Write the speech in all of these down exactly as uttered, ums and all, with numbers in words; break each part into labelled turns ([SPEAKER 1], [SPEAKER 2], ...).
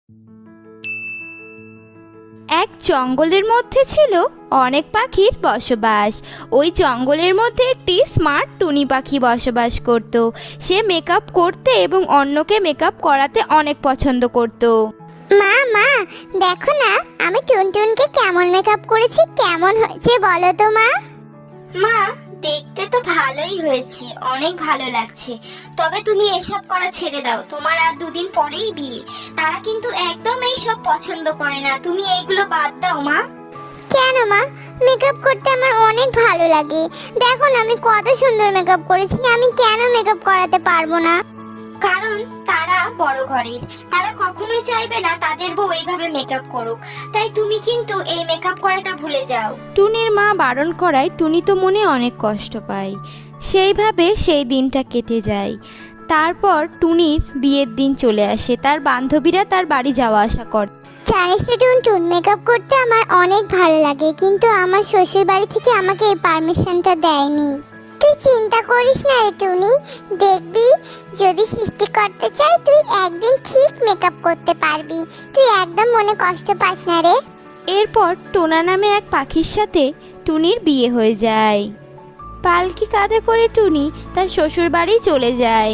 [SPEAKER 1] এক জঙ্গলের মধ্যে ছিল অনেক পাখির বসবাস। ওই জঙ্গলের মধ্যে একটি স্মার্ট টুনি পাখি বসবাস করত। সে মেকআপ করতে এবং অন্যকে মেকআপ করাতে অনেক পছন্দ করত।
[SPEAKER 2] মা মা দেখো না, আমি টুনটুনকে কেমন মেকআপ করেছি, কেমন হয়েছে বলো তো মা।
[SPEAKER 3] মা, দেখতে তো ভালোই হয়েছে, অনেক ভালো লাগছে। তবে তুমি এসব করা ছেড়ে দাও, তোমার আর দুদিন পরেই বিয়ে। তারা কিন্তু একদম এইসব পছন্দ করে না, তুমি এইগুলো বাদ দাও মা।
[SPEAKER 2] কেন মা? মেকআপ করতে আমার অনেক ভালো লাগে। দেখো না আমি কত সুন্দর মেকআপ করেছি, আমি কেন মেকআপ করাতে পারবো না?
[SPEAKER 3] কারণ তারা বড় ঘরের, তারা কখনোই চাইবে না তাদের বউ এইভাবে মেকআপ করুক। তাই তুমি কিন্তু এই মেকআপ করাটা ভুলে যাও।
[SPEAKER 1] টুনির মা বারণ করায় টুনি তো মনে অনেক কষ্ট পায়। সেইভাবে সেই দিনটা কেটে যায়। তারপর টুনির বিয়ের দিন চলে আসে। তার বান্ধবীরা তার বাড়ি যাওয়া আসা করে।
[SPEAKER 2] জানিস তো টুনটুন, মেকআপ করতে আমার অনেক ভালো লাগে, কিন্তু আমার শ্বশুর বাড়ি থেকে আমাকে এই পারমিশনটা দেয়নি। তুই চিন্তা করিস না রে টুনি, দেখবি যদি সৃষ্টি করতে চাই তুই একদিন ঠিক মেকআপ করতে পারবি। তুই একদম মনে কষ্ট পাস না রে।
[SPEAKER 1] এরপর টোনা নামে এক পাখির সাথে টুনির বিয়ে হয়ে যায়। পালকি কাঁধে করে টুনি তার শ্বশুর বাড়ি চলে যায়।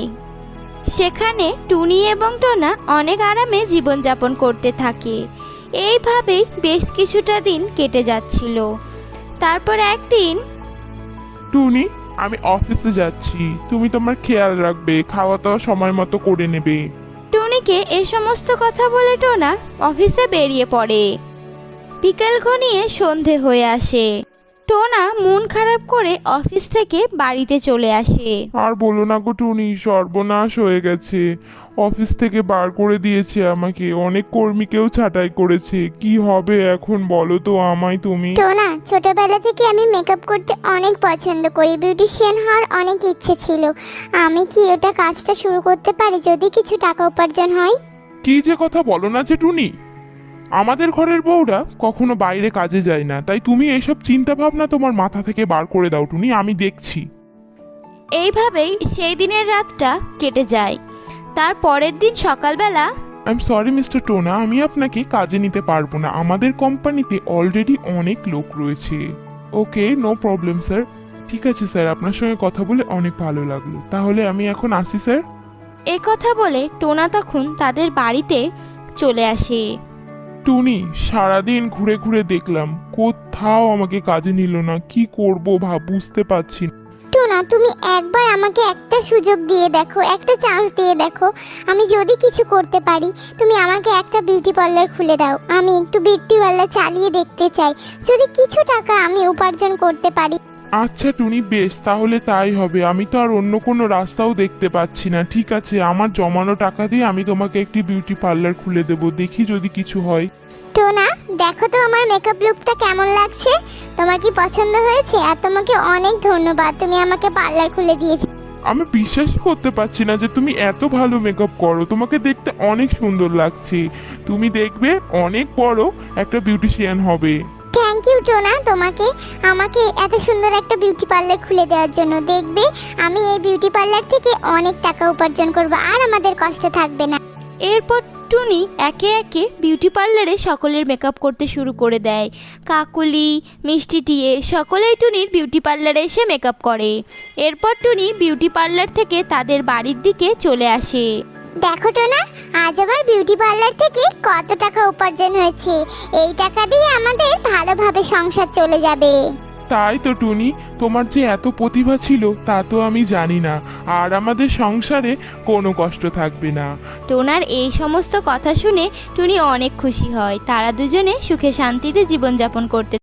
[SPEAKER 1] সেখানে টুনি এবং টোনা অনেক আরামে জীবনযাপন করতে থাকে। এইভাবেই বেশ কিছুটা দিন কেটে যাচ্ছিল। তারপর একদিন
[SPEAKER 4] টুনি, আমি অফিসে যাচ্ছি, তুমি তোমার খেয়াল রাখবে, খাওয়া দাওয়া সময় মতো করে নেবে।
[SPEAKER 1] টুনিকে এই সমস্ত কথা বলে টোনা অফিসে বেরিয়ে পড়ে। বিকেল ঘনিয়ে সন্ধে হয়ে আসে। টোনা মন খারাপ করে অফিস থেকে বাড়িতে চলে আসে।
[SPEAKER 4] আর বলো না গো টুনি, সর্বনাশ হয়ে গেছে। অফিস থেকে বার করে দিয়েছে আমাকে, অনেক কর্মীকেও ছাঁটাই করেছে। কি হবে এখন বলো তো আমায় তুমি।
[SPEAKER 2] টোনা, ছোটবেলা থেকে আমি মেকআপ করতে অনেক পছন্দ করি, বিউটিশিয়ান হওয়ার অনেক ইচ্ছে ছিল। আমি কি ওটা কাজটা শুরু করতে পারি যদি কিছু টাকা উপার্জন হয়?
[SPEAKER 4] কি যে কথা বলো না যে টুনি, আমাদের ঘরের বউরা কখনো বাইরে কাজে যায় না, তাই তুমি এসব চিন্তা ভাবনা তোমার মাথা থেকে বার করে দাও টুনি, আমি দেখছি।
[SPEAKER 1] এইভাবেই সেই দিনের রাতটা কেটে যায়। তার পরের দিন সকালবেলা
[SPEAKER 4] I am sorry Mr Tona, আমি আপনাকে কাজে নিতে পারবো না, আমাদের কোম্পানিতে অলরেডি অনেক লোক রয়েছে। Okay, no problem sir. ঠিক আছে স্যার, আপনার সঙ্গে কথা বলে অনেক ভালো লাগলো, তাহলে আমি এখন আসি স্যার।
[SPEAKER 1] এ কথা বলে টোনা তখন তাদের বাড়িতে চলে আসে।
[SPEAKER 4] টুনি, সারাদিন ঘুরে ঘুরে দেখলাম, কোথাও আমাকে কাজে নিল না, কি করব ভাব বুঝতে পারছি না।
[SPEAKER 2] টোনা, তুমি একবার আমাকে একটা সুযোগ দিয়ে দেখো, একটা চান্স দিয়ে দেখো, আমি যদি কিছু করতে পারি। তুমি আমাকে একটা বিউটি পার্লার খুলে দাও, আমি একটু বিউটি পার্লার চালিয়ে দেখতে চাই, যদি কিছু টাকা আমি উপার্জন করতে পারি।
[SPEAKER 4] আচ্ছা টুনি, বেশ, তাহলে তাই হবে। আমি তো আর অন্য কোনো রাস্তাও দেখতে পাচ্ছি না। ঠিক আছে, আমার জমানো টাকা দিয়ে আমি তোমাকে একটি বিউটি পার্লার খুলে দেবো, দেখি যদি কিছু হয়।
[SPEAKER 2] টোনা, দেখো তো আমার মেকআপ লুকটা কেমন লাগছে, তোমার কি পছন্দ হয়েছে? আর তোমাকে অনেক ধন্যবাদ, তুমি আমাকে পার্লার খুলে দিয়েছো।
[SPEAKER 4] আমি বিশ্বাসই করতে পারছি না যে তুমি এত ভালো মেকআপ করো, তোমাকে দেখতে অনেক সুন্দর লাগছে। তুমি দেখবে অনেক বড় একটা বিউটিশিয়ান হবে।
[SPEAKER 2] থ্যাংক ইউ টোনা, তোমাকে আমাকে এত সুন্দর একটা বিউটি পার্লার খুলে দেওয়ার জন্য। দেখবে আমি এই বিউটি পার্লার থেকে অনেক টাকা উপার্জন করব, আর আমাদের কষ্ট থাকবে না।
[SPEAKER 1] এরপর টুনি একে একে বিউটি পার্লারে সকলের মেকআপ করতে শুরু করে দেয়। কাকুলি, মিষ্টি টিয়ে সকলেই টুনির বিউটি পার্লারে এসে মেকআপ করে। এরপর টুনি বিউটি পার্লার থেকে তাদের বাড়ির দিকে চলে আসে।
[SPEAKER 2] দেখো টোনা, আজ আবার বিউটি পার্লার থেকে কত টাকা উপার্জন হয়েছে। এই টাকা দিয়ে আমাদের ভালোভাবে সংসার চলে যাবে।
[SPEAKER 4] তাই তো টুনি, তোমার যে এত প্রতিভা ছিল তা তো আমি জানি না, আর আমাদের সংসারে কোনো কষ্ট থাকবে না।
[SPEAKER 1] টোনার এই সমস্ত কথা শুনে টুনি অনেক খুশি হয়। তারা দুজনে সুখে শান্তিতে জীবনযাপন করতে